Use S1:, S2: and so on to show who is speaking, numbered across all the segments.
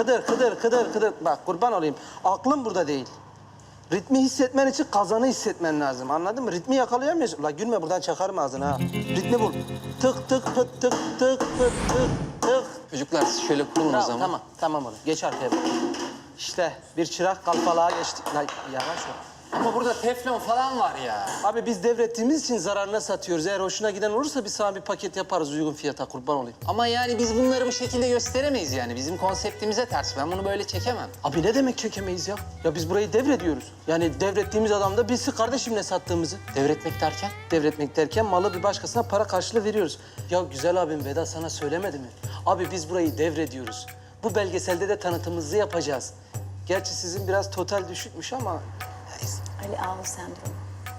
S1: Kıdır. Bak kurban olayım. Aklım burada değil. Ritmi hissetmen için kazanı hissetmen lazım. Anladın mı? Ritmi yakalayamıyorsun. La gülme buradan çakarım ağzını ha. Ritmi bul. Tık tık pıt tık tık pıt tık tık.
S2: Çocuklar siz şöyle kurulun o zaman.
S1: Tamam oğlum. Geç arkaya bak. İşte bir çırak kalfalığa geçti. La yavaş ol.
S2: Ama burada teflon falan var ya.
S1: Abi biz devrettiğimiz için zararına satıyoruz. Eğer hoşuna giden olursa biz sana bir paket yaparız uygun fiyata kurban olayım.
S2: Ama yani biz bunları bu şekilde gösteremeyiz yani. Bizim konseptimize ters. Ben bunu böyle çekemem.
S1: Abi ne demek çekemeyiz ya? Ya biz burayı devrediyoruz. Yani devrettiğimiz adam da bilsin kardeşim ne sattığımızı.
S2: Devretmek derken?
S1: Devretmek derken malı bir başkasına para karşılığı veriyoruz. Ya güzel abim Vedat sana söylemedi mi? Abi biz burayı devrediyoruz. Bu belgeselde de tanıtımımızı yapacağız. Gerçi sizin biraz total düşükmüş ama... neyse.
S3: Ali Ağul sendromu.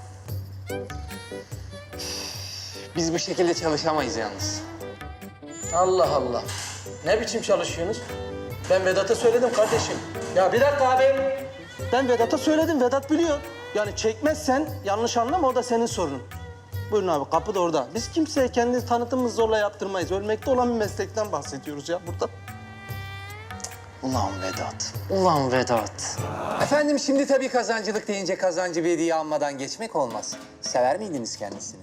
S2: Biz bu şekilde çalışamayız yalnız.
S1: Allah Allah. Ne biçim çalışıyorsunuz? Ben Vedat'a söyledim kardeşim. Ya bir dakika abi. Ben Vedat'a söyledim. Vedat biliyor. Yani çekmezsen yanlış anlama o da senin sorunun. Buyurun abi kapı da orada. Biz kimseye kendi tanıtımımızı zorla yaptırmayız. Ölmekte olan bir meslekten bahsediyoruz ya burada.
S2: Ulan Vedat. Ulan Vedat. Efendim şimdi tabii kazancılık deyince kazancı bir hediye almadan geçmek olmaz. Sever miydiniz kendisini?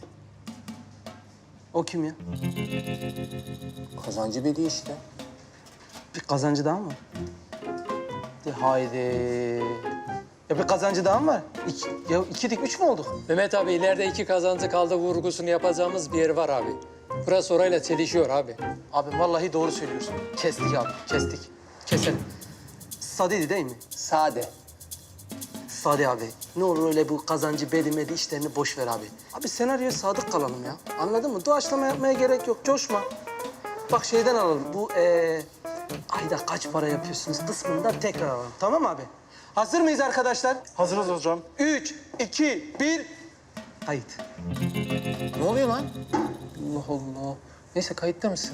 S1: O kim ya?
S2: Kazancı bir hediye işte.
S1: Bir kazancı daha mı var? De haydi. Ya bir kazancı daha mı var? Ya ikidik üç mü olduk?
S4: Mehmet abi ileride 2 kazancı kaldı vurgusunu yapacağımız bir yer var abi. Burası orayla çelişiyor abi.
S1: Abi vallahi doğru söylüyorsun. Kestik abi, kestik. Keselim. Sadeydi değil mi?
S2: Sade.
S1: Sade abi. Ne olur öyle bu kazancı bedimedi işlerini boş ver abi. Abi senaryoya sadık kalalım ya. Anladın mı? Doğaçlama yapmaya gerek yok. Coşma. Bak şeyden alalım. Bu ayda kaç para yapıyorsunuz kısmından tekrar alalım. Tamam mı abi? Hazır mıyız arkadaşlar?
S5: Hazırız hocam.
S1: 3, 2, 1. Kayıt.
S2: Ne oluyor lan? Allah Allah. Neyse kayıtta mısın?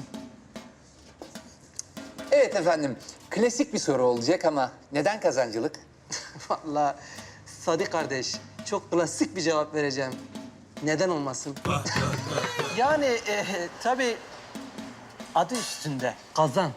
S2: Evet efendim. Klasik bir soru olacak ama neden kazancılık?
S1: Vallahi Sadi kardeş, çok klasik bir cevap vereceğim. Neden olmasın? Yani tabii adı üstünde kazan.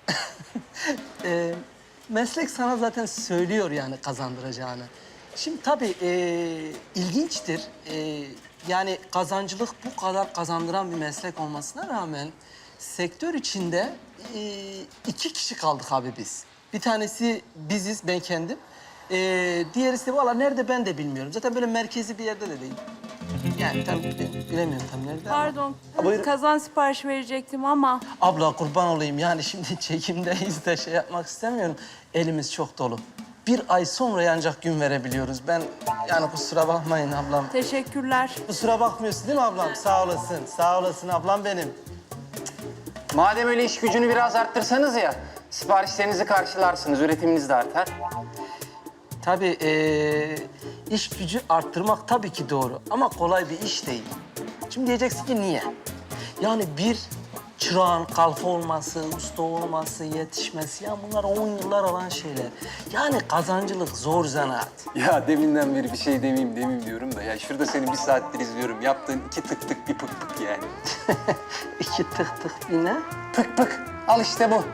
S1: Meslek sana zaten söylüyor yani kazandıracağını. Şimdi tabii ilginçtir. Yani kazancılık bu kadar kazandıran bir meslek olmasına rağmen sektör içinde 2 kişi kaldık abi biz. Bir tanesi biziz, ben kendim. Diğerisi de valla nerede ben de bilmiyorum. Zaten böyle merkezi bir yerde de değil. Yani tam bilemiyorum tam nerede ama.
S6: Pardon,
S1: Buyurun.
S6: kazan siparişi verecektim ama
S1: Abla kurban olayım yani şimdi çekimdeyiz de şey yapmak istemiyorum. Elimiz çok dolu. 1 ay sonra ancak gün verebiliyoruz. Ben yani kusura bakmayın ablam.
S6: teşekkürler.
S1: Kusura bakmıyorsun değil mi ablam? Sağ olasın, sağ olasın ablam benim.
S2: Madem öyle iş gücünü biraz arttırsanız ya, siparişlerinizi karşılarsınız, üretiminiz de artar.
S1: Tabii iş gücü arttırmak tabii ki doğru ama kolay bir iş değil. Şimdi diyeceksin ki niye? Yani bir çırağın kalfa olması, usta olması, yetişmesi ya bunlar 10 yıllar alan şeyler. Yani kazancılık zor zanaat.
S2: Ya deminden beri bir şey demeyeyim diyorum da ya şurada seni 1 saattir izliyorum. Yaptığın 2 tık tık bir pık pık yani.
S1: 2 tık tık yine.
S2: Pık pık. Al işte bu.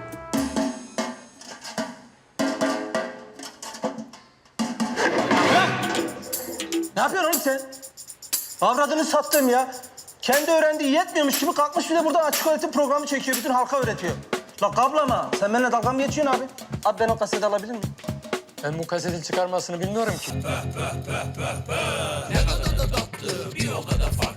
S1: Ne yapıyorsun oğlum sen? Avradını sattım ya. Kendi öğrendiği yetmiyormuş gibi kalkmış bir de burada açık öğretim programı çekiyor. Bütün halka öğretiyor. La kablama. Sen benimle dalga mı geçiyorsun abi? Abi ben o kaseti alabilir miyim?
S4: Ben bu kasetin çıkarmasını bilmiyorum ki.
S7: Ne kadar da tatlı, bir o kadar farklı.